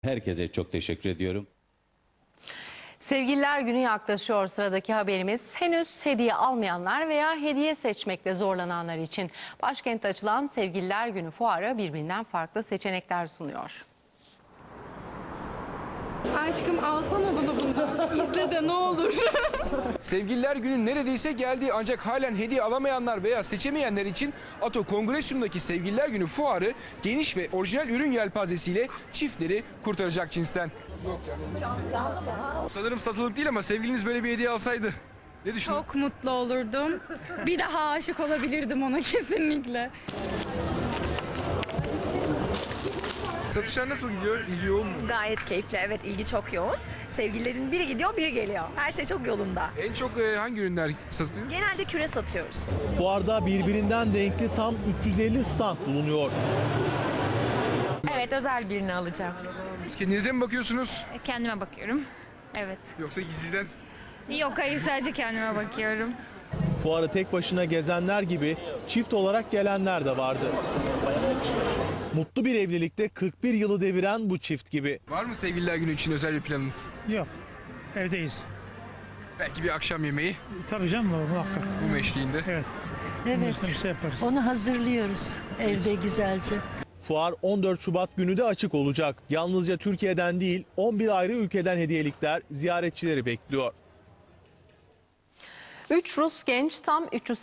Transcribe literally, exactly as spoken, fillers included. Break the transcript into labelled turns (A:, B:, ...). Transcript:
A: Herkese çok teşekkür ediyorum.
B: Sevgililer Günü yaklaşıyor. Sıradaki haberimiz henüz hediye almayanlar veya hediye seçmekte zorlananlar için. Başkentte açılan Sevgililer Günü fuarı birbirinden farklı seçenekler sunuyor.
C: Aşkım alsana bana bunu. İzle de ne olur.
D: Sevgililer Günü neredeyse geldi ancak halen hediye alamayanlar veya seçemeyenler için Ato Kongresyum'daki Sevgililer Günü fuarı geniş ve orijinal ürün yelpazesiyle çiftleri kurtaracak cinsten. Sanırım satılık değil ama sevgiliniz böyle bir hediye alsaydı ne düşünüyorsun?
C: Çok mutlu olurdum. Bir daha aşık olabilirdim ona kesinlikle.
D: Satışlar nasıl gidiyor? İlgi yoğun mu?
E: Gayet keyifli, evet, ilgi çok yoğun. Sevgililerin biri gidiyor, biri geliyor. Her şey çok yolunda.
D: En çok e, hangi ürünler satılıyor?
E: Genelde küre satıyoruz.
F: Fuarda birbirinden renkli tam üç yüz elli stand bulunuyor.
G: Evet, özel birini alacağım.
D: Kendinize mi bakıyorsunuz
G: Kendime bakıyorum. Evet.
D: yoksa gizliden?
G: Yok, hayır, sadece kendime bakıyorum.
F: Fuarı tek başına gezenler gibi çift olarak gelenler de vardı. Mutlu bir evlilikte kırk bir yılı deviren bu çift gibi.
D: Var mı Sevgililer Günü için özel bir planınız?
H: Yok. Evdeyiz.
D: Belki bir akşam yemeği
H: Tabii canım, muhakkak.
D: bu meşliğinde.
H: Evet.
I: Evet,
H: Bir şey yaparız.
I: onu hazırlıyoruz evde güzelce.
F: Fuar on dört Şubat günü de açık olacak. Yalnızca Türkiye'den değil on bir ayrı ülkeden hediyelikler ziyaretçileri bekliyor.
B: Üç Rus genç tam üç yüz